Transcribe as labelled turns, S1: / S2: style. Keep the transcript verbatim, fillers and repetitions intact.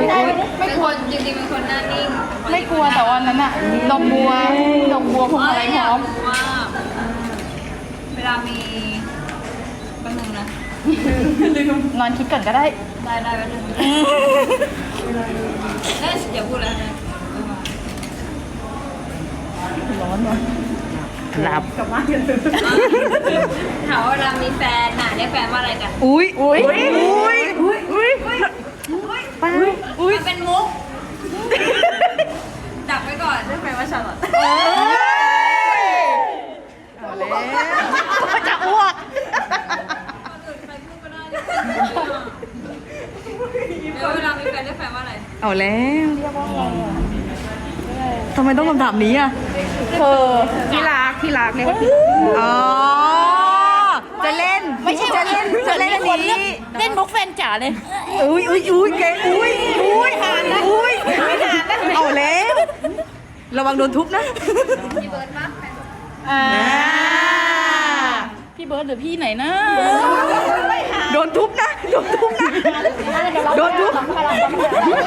S1: ยได้ไหม
S2: ไม่กลัวจริงๆเป็นคนหน้านิ่ง
S1: ไม่กลัวแต่วันนั้นอะดอกบัวดอกบัวพวงมาลัยพร้อม
S2: ว่าเวลามีแป๊บนึงนะ
S1: นอนคิดก่อนก็ได้
S2: ได้ได้แป๊บนึงเอ้ยอย่าพูดแล้วนะ
S1: ร้อนวะหลับ
S2: ถามว่าเวลามีแฟนน่ะเรียกแฟนว่าอะไรกัน
S1: อุ้ยอุ้ยอุ้ยอุ้ยอุ้ยไปอุ้ย
S2: มันเป็นมุกดักไว้ก่อนเรียกแฟนว่าชาลอต
S1: เอ้ยเอาแล้วจะอ้วก
S2: ใครพูดก็ได้เรียกแฟนว่าแล้วเวลามีแฟนเรียกแฟนว่าอะไร
S1: เอาแล้วทำไมต้องคำถามนี้อ่ะเธอที่รักที่รักเนี่ยอ๋อจะเล่นไม่ใช่จะเล่นจะเล่นอันนี้เล่นมุกแฟนจ๋าเลยอุ้ยอุ้ยอุ้ยเก๋อุ้ยอุ้ยหานนะอุ้ยไม่หานนะเอาแล้วระวังโดนทุบนะ
S2: พี่เบิร์ดปะ
S1: อ่าพี่เบิร์ดหรือพี่ไหนนะโดนทุบนะโดนทุบนะโดนทุบ